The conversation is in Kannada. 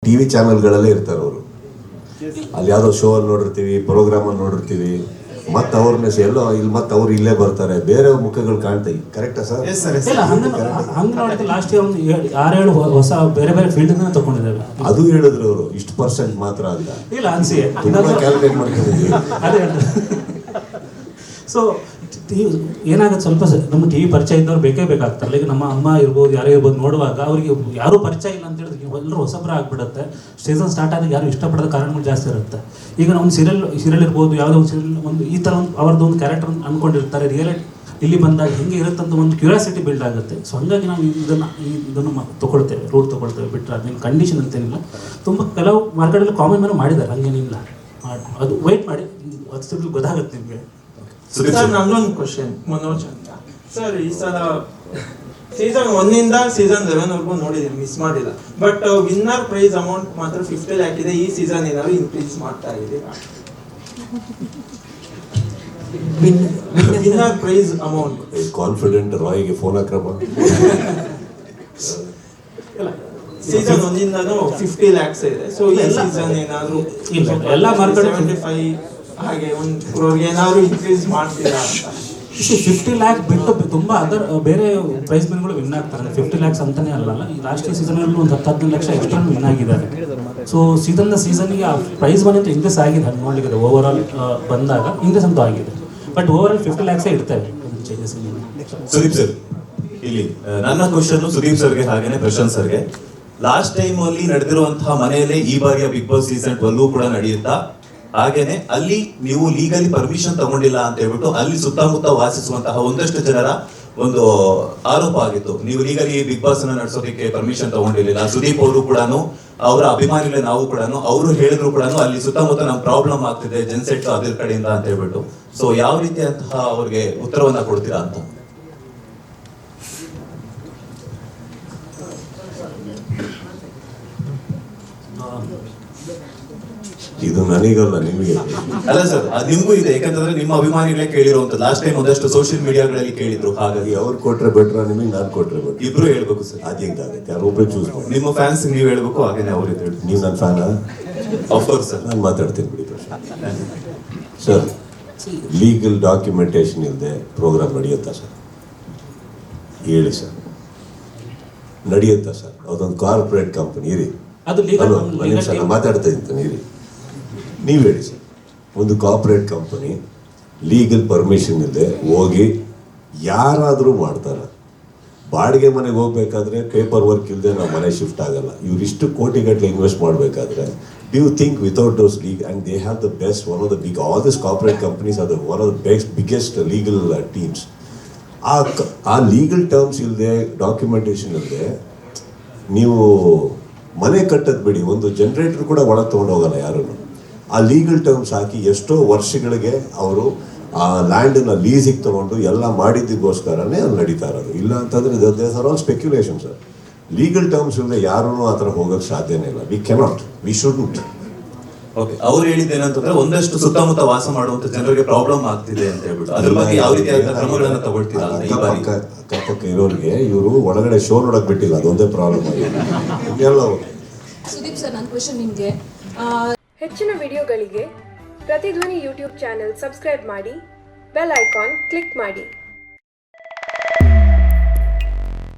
ಟಿವಿ ಚಾನೆಲ್ಗಳಲ್ಲೇ ಇರ್ತಾರೆ ಅವರು. ಅಲ್ಲಿ ಯಾವುದೋ ಶೋ ಅಲ್ಲಿ ನೋಡಿರ್ತೀವಿ, ಪ್ರೋಗ್ರಾಮ್ ಅಲ್ಲಿ ನೋಡಿರ್ತೀವಿ, ಮತ್ತೆ ಅವ್ರನ್ನ ಎಲ್ಲೋ ಇಲ್ಲಿ ಮತ್ತೆ ಅವ್ರು ಇಲ್ಲೇ ಬರ್ತಾರೆ, ಬೇರೆ ಮುಖಗಳು ಕಾಣ್ತಾಯಿ. ಕರೆಕ್ಟಾ ಸರ್? ಹಂಗೆ ನೋಡಿದ್ರೆ ಲಾಸ್ಟ್ ಇಯರ್ ಒಂದು 6-7 ಹೊಸ ಬೇರೆ ಬೇರೆ ಫೀಲ್ಡ್ ತಗೊಂಡಿದ್ದೇವೆ. ಅದು ಹೇಳಿದ್ರು ಅವರು ಇಷ್ಟು ಪರ್ಸೆಂಟ್ ಮಾತ್ರ ಅಂತ. ಇಲ್ಲ ಅನ್ಸಿ ಕ್ಯಾಲ್ಕುಲೇಟ್ ಮಾಡ್ಕೊಂಡಿದ್ದೀವಿ. ಅದೇ ಸೊ ಏನಾಗುತ್ತೆ, ಸ್ವಲ್ಪ ನಮ್ಮ ಟಿವಿ ಪರಿಚಯ ಇದ್ದವ್ರು ಬೇಕೇ ಬೇಕಾಗ್ತಾರೆ. ಈಗ ನಮ್ಮ ಅಮ್ಮ ಇರ್ಬೋದು, ಯಾರೇ ಇರ್ಬೋದು, ನೋಡುವಾಗ ಅವ್ರಿಗೆ ಯಾರೂ ಪರಿಚಯ ಇಲ್ಲ ಅಂತ ಹೇಳಿದ್ರೆ ಎಲ್ಲರೂ ಹೊಸಬ್ರ ಆಗ್ಬಿಡುತ್ತೆ. ಸೀಸನ್ ಸ್ಟಾರ್ಟ್ ಆದಾಗ ಯಾರು ಇಷ್ಟಪಡೋದ ಕಾರಣಗಳು ಜಾಸ್ತಿ ಇರುತ್ತೆ. ಈಗ ಒಂದು ಸೀರಿಯಲ್ ಇರ್ಬೋದು, ಯಾವುದೋ ಒಂದು ಸೀರಿಯಲ್ ಒಂದು ಈ ಥರ ಒಂದು ಅವ್ರದ್ದು ಒಂದು ಕ್ಯಾರೆಕ್ಟರ್ ಅಂದ್ಕೊಂಡಿರ್ತಾರೆ. ರಿಯಾಲಿಟಿ ಇಲ್ಲಿ ಬಂದಾಗ ಹೆಂಗೆ ಇರುತ್ತೆ ಅಂತ ಒಂದು ಕ್ಯೂರಿಯಾಸಿಟಿ ಬಿಲ್ಡ್ ಆಗುತ್ತೆ. ಸೊ ಹಂಗಾಗಿ ನಾವು ಇದನ್ನು ತೊಗೊಳ್ತೇವೆ, ರೂಟ್ ತೊಗೊಳ್ತೇವೆ. ಬಿಟ್ಟರೆ ಅದೇನು ಕಂಡೀಷನ್ ಅಂತೇನಿಲ್ಲ. ತುಂಬ ಕೆಲವು ಮಾರ್ಕೆಟಲ್ಲಿ ಕಾಮನ್ ಮೇಲೆ ಮಾಡಿದ್ದಾರೆ, ಹಂಗೇನಿಲ್ಲ. ಅದು ವೆಯ್ಟ್ ಮಾಡಿ, ಅದು ಗೊತ್ತಾಗುತ್ತೆ ನಿಮಗೆ. ಸರ್, ನನ್ನೊಂದು ಕ್ವಶನ್ ಮನೋಜ್ ಅಂತ ಸರ್. ಈ ಸಲ ಸೀಸನ್ 1 ಸೀಸನ್ 11 ನೋಡಿದ್ದೀನಿ, ಮಿಸ್ ಮಾಡಿಲ್ಲ. ಬಟ್ ವಿನ್ನರ್ ಪ್ರೈಸ್ ಅಮೌಂಟ್ ಮಾತ್ರ 50 lakh ಇದೆ. ಈ ಸೀಸನ್ ಏನಾದ್ರು ಇನ್ಕ್ರೀಸ್ ಮಾಡ್ತಾ ಇದ್ದೀರಾ? ವಿನ್ನರ್ ಪ್ರೈಸ್ ಅಮೌಂಟ್ ಕಾನ್ಫಿಡೆಂಟ್ ರಾಯ್ಗೆ ಫೋನ್ ಹಾಕ್ರಪ್ಪ. ಸೀಸನ್ 1 50 lakhs ಇದೆ. ಸೊ ಈ ಸೀಸನ್ ಏನಾದ್ರು ಎಲ್ಲ ಮಾರ್ಕೆಟ್ 75 ಹಾಗೆ ಒಂದು ಕ್ರೋರ್ಗೆ ಏನಾದ್ರು ಇನ್ಕ್ರೀಸ್ ಮಾಡ್ತೀರಾ ಅಂತ? 50 lakh ಬಿಟ್ಟು ತುಂಬ ಅದರ್ ಬೇರೆ ಪ್ರೈಸ್ ಮನಿಗಳು ವಿನ್ ಆಗ್ತಾರೆ. 50 lakhs ಅಂತಾನೆ ಅಲ್ಲಲ್ಲ. ಈ ಲಾಸ್ಟ್ ಸೀಸನಲ್ಲಿ ಒಂದು 10-15 ಲಕ್ಷ ಎಕ್ಸ್ಟ್ರಾ ವಿನ್ ಆಗಿದ್ದಾರೆ. ಸೊ ಸೀಸನ್ಗೆ ಆ ಪ್ರೈಸ್ ಮನಿ ಅಂತ ಇನ್ಕ್ರೀಸ್ ಆಗಿದೆ. ಹಂಗೆ ನೋಡಲಿಕ್ಕೆ ಓವರ್ ಆಲ್ ಬಂದಾಗ ಇನ್ಕ್ರೀಸ್ ಅಂತೂ ಆಗಿದೆ. ಬಟ್ ಓವರ್ ಆಲ್ 50 lakhs ಇರ್ತವೆ ಚೇಂಜಸ್. ಸುದೀಪ್ ಸರ್, ಇಲ್ಲಿ ನನ್ನ ಕ್ವಶನ್ ಸುದೀಪ್ ಸರ್ಗೆ ಹಾಗೇನೆ ಪ್ರಶಾಂತ್ ಸರ್ಗೆ. ಲಾಸ್ಟ್ ಟೈಮ್ ಅಲ್ಲಿ ನಡೆದಿರುವಂತಹ ಮನೆಯಲ್ಲೇ ಈ ಬಾರಿಯ ಬಿಗ್ ಬಾಸ್ ಸೀಸನ್ 12 ಕೂಡ ನಡೆಯುತ್ತಾ, ಹಾಗೇನೆ ಅಲ್ಲಿ ನೀವು ಲೀಗಲಿ ಪರ್ಮಿಷನ್ ತಗೊಂಡಿಲ್ಲ ಅಂತ ಹೇಳ್ಬಿಟ್ಟು ಅಲ್ಲಿ ಸುತ್ತಮುತ್ತ ವಾಸಿಸುವಂತಹ ಒಂದಷ್ಟು ಜನರ ಒಂದು ಆರೋಪ ಆಗಿತ್ತು. ನೀವು ಲೀಗಲಿ ಬಿಗ್ ಬಾಸ್ ಅನ್ನ ನಡೆಸೋದಕ್ಕೆ ಪರ್ಮಿಷನ್ ತಗೊಂಡಿರ್ಲಿಲ್ಲ. ಸುದೀಪ್ ಅವರು ಕೂಡ, ಅವರ ಅಭಿಮಾನಿಗಳೇ ನಾವು ಕೂಡ, ಅವರು ಹೇಳಿದ್ರು ಕೂಡ ಅಲ್ಲಿ ಸುತ್ತಮುತ್ತ ನಮ್ ಪ್ರಾಬ್ಲಮ್ ಆಗ್ತಿದೆ ಜೆನ್ಸೆಟ್ ಅದ್ರ ಕಡೆಯಿಂದ ಅಂತ ಹೇಳ್ಬಿಟ್ಟು. ಸೊ ಯಾವ ರೀತಿಯಂತಹ ಅವ್ರಿಗೆ ಉತ್ತರವನ್ನ ಕೊಡ್ತೀರಾ ಅಂತ? ಇದು ನನಗಲ್ಲ, ನಿಮಗೆ ಅಲ್ಲ ಸರ್, ನಿಮ್ಗೂ ಇದೆ. ಯಾಕಂತಂದ್ರೆ ನಿಮ್ಮ ಅಭಿಮಾನಿಗಳೇ ಕೇಳಿರುವಂತ ಲಾಸ್ಟ್ ಟೈಮ್ ಒಂದಷ್ಟು ಸೋಷಿಯಲ್ ಮೀಡಿಯಾಗಳಲ್ಲಿ ಕೇಳಿದ್ರು. ಹಾಗಾಗಿ ಅವ್ರು ಕೊಟ್ರೆ ಬೆಟ್ರ, ನಿಮಗೆ ನಾನು ಕೊಟ್ರೆ ಬೆಟ್ರ? ಇಬ್ರು ಹೇಳ್ಬೇಕು ಸರ್. ಅದು ಹೆಂಗಾಗುತ್ತೆ? ಯಾರೊಬ್ಬರೇ ಚೂಸ್ ಮಾಡಿ. ನಿಮ್ಮ ಫ್ಯಾನ್ಸ್ ನೀವು ಹೇಳ್ಬೇಕು, ಹಾಗೇನೆ ಅವ್ರು ಇದು ನೀವು ನನ್ನ ಫ್ಯಾನ? ಆಫ್ಕೋರ್ಸ್ ಸರ್, ನಾನು ಮಾತಾಡ್ತೀನಿ ಬಿಡಿ ಸರ್. ಲೀಗಲ್ ಡಾಕ್ಯುಮೆಂಟೇಶನ್ ಇಲ್ಲದೆ ಪ್ರೋಗ್ರಾಮ್ ನಡೆಯುತ್ತಾ ಸರ್? ಹೇಳಿ ಸರ್, ನಡೆಯುತ್ತಾ ಸರ್? ಅದೊಂದು ಕಾರ್ಪೊರೇಟ್ ಕಂಪನಿ ಇರಿ. ನಾನು ಮಾತಾಡ್ತಾ ಇದ್ದೀನಿ ಇರಿ. ನೀವು ಹೇಳಿ ಸರ್, ಒಂದು ಕಾರ್ಪೊರೇಟ್ ಕಂಪನಿ ಲೀಗಲ್ ಪರ್ಮಿಷನ್ ಇಲ್ಲದೆ ಹೋಗಿ ಯಾರಾದರೂ ಮಾಡ್ತಾರೆ? ಬಾಡಿಗೆ ಮನೆಗೆ ಹೋಗ್ಬೇಕಾದ್ರೆ ಪೇಪರ್ ವರ್ಕ್ ಇಲ್ಲದೆ ನಾವು ಮನೆ ಶಿಫ್ಟ್ ಆಗಲ್ಲ. ಇವರಿಷ್ಟು ಕೋಟಿಗಟ್ಟಲೆ ಇನ್ವೆಸ್ಟ್ ಮಾಡಬೇಕಾದ್ರೆ do you think without those legal, and they have the best, one of the big, all these corporate companies are the one of the biggest legal teams. ಆ ಲೀಗಲ್ ಟರ್ಮ್ಸ್ ಇಲ್ಲದೆ, ಡಾಕ್ಯುಮೆಂಟೇಶನ್ ಇಲ್ಲದೆ ನೀವು ಮನೆ ಕಟ್ಟೋದು ಬಿಡಿ, ಒಂದು ಜನರೇಟರ್ ಕೂಡ ಒಳಗೆ ತೊಗೊಂಡು ಹೋಗಲ್ಲ ಯಾರು. ಆ ಲೀಗಲ್ ಟರ್ಮ್ಸ್ ಹಾಕಿ ಎಷ್ಟೋ ವರ್ಷಗಳಿಗೆ ಅವರು ಆ ಲ್ಯಾಂಡನ್ನ ಲೀಸಿಗೆ ತೊಗೊಂಡು ಎಲ್ಲ ಮಾಡಿದ್ದಕ್ಕೋಸ್ಕರನೇ ಅದು ನಡೀತಾ ಇರೋದು. ಇಲ್ಲ ಅಂತಂದರೆ these are all speculation sir. Legal terms ಇಲ್ಲದೆ ಯಾರೂ ಆ ಥರ ಹೋಗೋಕ್ಕೆ ಸಾಧ್ಯನೇ ಇಲ್ಲ. We cannot, we shouldn't. Okay, ಅವ್ರು ಹೇಳಿದ್ದೇನಂತಂದ್ರೆ ಒಂದಷ್ಟು ಸುತ್ತಮುತ್ತ ವಾಸ ಮಾಡುವಂತ ಜನರಿಗೆ ಪ್ರಾಬ್ಲಮ್ ಆಗ್ತಿದೆ ಅಂತ ಹೇಳ್ಬಿಟ್ಟು ಅದ್ರ ಬಗ್ಗೆ ಯಾವ ರೀತಿಯಾದ ಕ್ರಮಗಳನ್ನ ತಗೊಳ್ತೀರಾ? ಅಕ್ಕಪಕ್ಕ ಇರೋರಿಗೆ ಇವರು ಒಳಗಡೆ ಶೋ ನೋಡಕ್ ಬಿಟ್ಟಿಲ್ಲ, ಅದೊಂದೇ ಪ್ರಾಬ್ಲಮ್ ಆಗಿದೆ. ಸುದೀಪ್ ಸರ್, ನನ್ನ ಕ್ವೆಶ್ಚನ್ ನಿಮಗೆ. ಹೆಚ್ಚಿನ ವಿಡಿಯೋಗಳಿಗೆ ಪ್ರತಿಧ್ವನಿ ಯೂಟ್ಯೂಬ್ ಚಾನೆಲ್ ಸಬ್ಸ್ಕ್ರೈಬ್ ಮಾಡಿ, ಬೆಲ್ ಐಕಾನ್ ಕ್ಲಿಕ್ ಮಾಡಿ.